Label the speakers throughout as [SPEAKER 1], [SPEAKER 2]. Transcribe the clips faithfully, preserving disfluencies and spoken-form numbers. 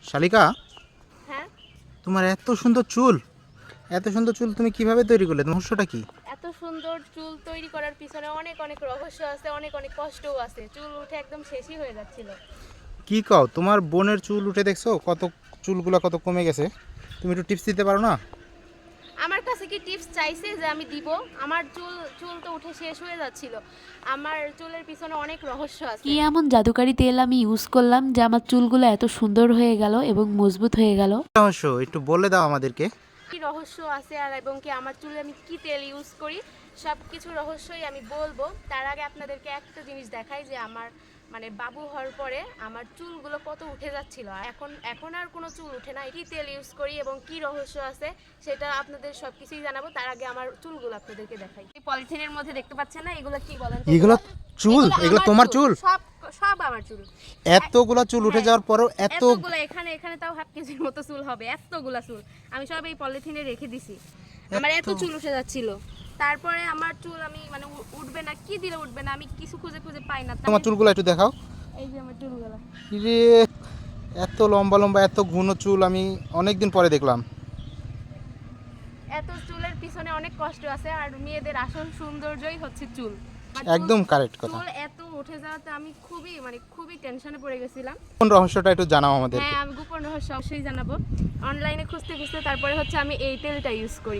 [SPEAKER 1] শালিকা,
[SPEAKER 2] হ্যাঁ,
[SPEAKER 1] তোমার এত সুন্দর চুল, এত সুন্দর চুল তুমি কিভাবে তৈরি করলে? রহস্যটা কি?
[SPEAKER 2] এত সুন্দর চুল তৈরি করার পিছনে অনেক অনেক রহস্য আছে, অনেক অনেক কষ্টও আছে। চুল উঠে একদম শেষই হয়ে যাচ্ছিল।
[SPEAKER 1] কি কও, তোমার বোনের চুল উঠে দেখছো কত, চুলগুলো কত কমে গেছে? তুমি একটু টিপস দিতে পারো না?
[SPEAKER 2] আমার কাছে কি টিপস চাইছে যে আমি দিব? আমার চুল চুল তো উঠে শেষ হয়ে যাচ্ছিল। আমার চুলের পিছনে অনেক রহস্য আছে।
[SPEAKER 3] কি এমন জাদুকারি তেল আমি ইউজ করলাম যে আমার চুলগুলো এত সুন্দর হয়ে গেল এবং মজবুত হয়ে গেল?
[SPEAKER 1] রহস্য একটু বলে দাও আমাদেরকে।
[SPEAKER 2] কি রহস্য আছে আর এবং কি আমার চুলে আমি কি তেল ইউজ করি, সব কিছু রহস্যই আমি বলবো। তার আগে আপনাদেরকে একটা জিনিস দেখাই যে আমার মানে বাবু হওয়ার পরে আমার চুলগুলো কত উঠে যাচ্ছিল, আর এখন এখন আর কোনো চুল উঠে না। কি তেল ইউজ করি এবং কি রহস্য আছে সেটা আপনাদের সব কিছুই জানাবো। তার আগে আমার চুলগুলো আপনাদেরকে দেখাই। এই পলিথিনের মধ্যে দেখতে পাচ্ছেন না, এগুলো কি বলেন তো?
[SPEAKER 1] এগুলো চুল? এগুলো
[SPEAKER 2] আমার
[SPEAKER 1] তোমার চুল?
[SPEAKER 2] সব সব আমার চুল।
[SPEAKER 1] এতগুলা চুল উঠে যাওয়ার পরেও এত
[SPEAKER 2] এতগুলো এখানে এখানে তাও হাফ কেজির মতো চুল হবে, এতগুলা চুল আমি সব এই পলিথিনে রেখে দিছি। আমার এত চুল উঠে যাচ্ছিল, তারপরে আমার চুল আমি মানে উ- উঠবে না, কি দিলে উঠবে না, আমি কিছু খুঁজে খুঁজে পাই না।
[SPEAKER 1] তোমার চুলগুলো একটু দেখাও।
[SPEAKER 2] এই যে আমার চুলগুলো,
[SPEAKER 1] রে, এত লম্বা লম্বা এত ঘন চুল আমি অনেকদিন পরে দেখলাম।
[SPEAKER 2] এত চুলের পিছনে অনেক কষ্ট আছে, আর মেয়েদের আসল সৌন্দর্যই হচ্ছে চুল। আর চুল-
[SPEAKER 1] একদম কারেক্ট কথা।
[SPEAKER 2] চুল এত উঠে যাওয়াতে আমি খুবই মানে খুবই টেনশনে পড়ে গেছিলাম।
[SPEAKER 1] কোন রহস্যটা একটু জানাও আমাদেরকে।
[SPEAKER 2] হ্যাঁ, আমি গোপন রহস্য অবশ্যই জানাবো। অনলাইনে খুঁজতে খুঁজতে তারপরে হচ্ছে আমি এই তেলটা ইউজ করি,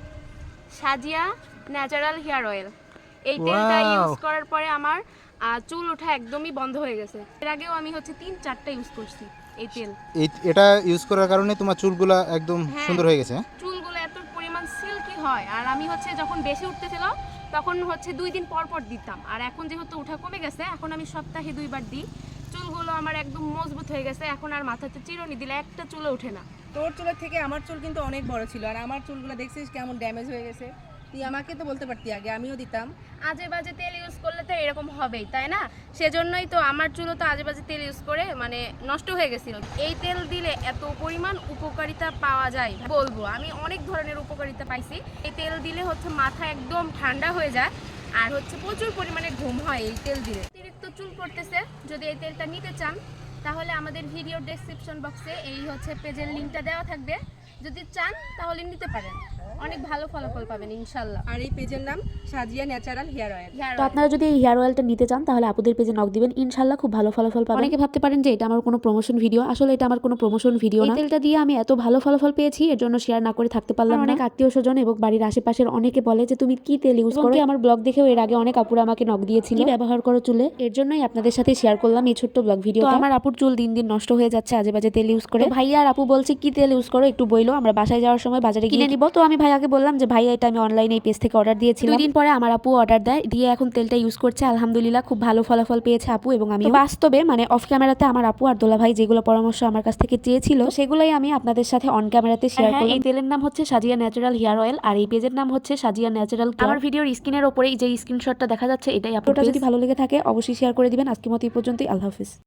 [SPEAKER 2] সাজিয়া ন্যাচারাল হেয়ার অয়েল। এই তেলটা
[SPEAKER 1] Wow!
[SPEAKER 2] ইউজ করার পরে আমার আহ, চুল ওঠা একদমই বন্ধ হয়ে গেছে। এর আগেও আমি হচ্ছে তিন চারটা ইউজ করছি এই তেল।
[SPEAKER 1] এই এটা ইউজ করার কারণে তোমার চুলগুলা একদম
[SPEAKER 2] হ্যাঁ।
[SPEAKER 1] সুন্দর হয়ে গেছে।
[SPEAKER 2] চুলগুলো এত পরিমাণ সিল্কি হয়, আর আমি হচ্ছে যখন বেশি উঠতেছিল তখন হচ্ছে দুই দিন পর পর দিতাম, আর এখন যেহেতু উঠা কমে গেছে এখন আমি সপ্তাহে দুইবার দিই। চুলগুলো আমার একদম মজবুত হয়ে গেছে, এখন আর মাথাতে চিরুনি দিলে একটা চুলে ওঠে না।
[SPEAKER 4] তোর চুলের থেকে আমার চুল কিন্তু অনেক বড় ছিল, আর আমার চুলগুলো দেখছিস কেমন ড্যামেজ হয়ে গেছে। তুই আমাকে তো বলতে পারতি আগে, আমিও দিতাম।
[SPEAKER 2] আজে বাজে তেল ইউজ করলে তো এরকম হবেই, তাই না? সেজন্যই তো আমার চুলও তো আজে বাজে তেল ইউজ করে মানে নষ্ট হয়ে গেছিল। এই তেল দিলে এত পরিমাণ উপকারিতা পাওয়া যায় বলবো, আমি অনেক ধরনের উপকারিতা পাইছি। এই তেল দিলে হচ্ছে মাথা একদম ঠান্ডা হয়ে যায়, আর হচ্ছে প্রচুর পরিমাণে ঘুম হয় এই তেল দিলে। অতিরিক্ত চুল পড়তেছে, যদি এই তেলটা নিতে চান তাহলে আমাদের ভিডিও ডেসক্রিপশন বক্সে এই হচ্ছে পেজের লিঙ্কটা দেওয়া থাকবে। যদি চান তাহলে নিতে পারেন, অনেক ভালো ফলাফল পাবেন ইনশাল্লাহ।
[SPEAKER 4] আর এই পেজের নাম Sajia natural hair oil.
[SPEAKER 2] Hair
[SPEAKER 3] তো আপনারা যদি এই হেয়ার অয়েলটা নিতে চান তাহলে আপুদের পেজে নক দিবেন, ইনশাল্লাহ খুব ভালো ফলাফল পাবেন। অনেকে ভাবতে পারেন যে এটা আমার কোনো প্রমোশন ভিডিও, আসলে এটা আমার কোনো প্রমোশন ভিডিও না। এই তেলটা দিয়ে আমি এত ভালো ফলাফল পেয়েছি, এর জন্য শেয়ার না করে থাকতে পারলাম না। অনেক আত্মীয় স্বজন এবং বাড়ির আশেপাশের অনেকে বলে যে তুমি কি তেল ইউজ করো। আমার ব্লগ দেখেও এর আগে অনেক আপুরা আমাকে নক দিয়েছিল কি ব্যবহার করো চুলে, এর জন্যই আপনাদের সাথে শেয়ার করলাম এই ছোট্ট ব্লগ ভিডিও। আমার আপুর চুল দিন দিন নষ্ট হয়ে যাচ্ছে আজে বাজে তেল ইউজ করে। ভাইয়া আর আপু বলছে কি তেল ইউজ করো একটু বইলো, আমরা বাসায় যাওয়ার সময় বাজারে কিনে নিব। তো আমি ভাইয়াকে বললাম যে ভাইয়া এটা আমি অনলাইনে এই পেজ থেকে অর্ডার দিয়েছিলাম। দুই দিন পরে আমার আপু অর্ডার দেয়, দিয়ে এখন তেলটা ইউজ করছে, আলহামদুলিল্লাহ খুব ভালো ফলাফল পেয়েছে আপু এবং আমি। বাস্তবে মানে অফ ক্যামেরাতে আমার আপু আর দোলা ভাই যেগুলো পরামর্শ আমার কাছ থেকে চেয়েছিল সেগুলোই আমি আপনাদের সাথে অন ক্যামেরাতে শেয়ার করলাম। এই তেলের নাম হচ্ছে সাজিয়া ন্যাচারাল হেয়ার অয়েল, আর এই পেজের নাম হচ্ছে সাজিয়া ন্যাচারাল। আমার ভিডিওর স্ক্রিনের ওপরেই যে স্ক্রিনশটটা দেখা যাচ্ছে এটাই আপনার। যদি ভালো লেগে থাকে অবশ্যই শেয়ার করে দিবেন। আজকের মতো এই পর্যন্তই, আল্লাহ হাফেজ।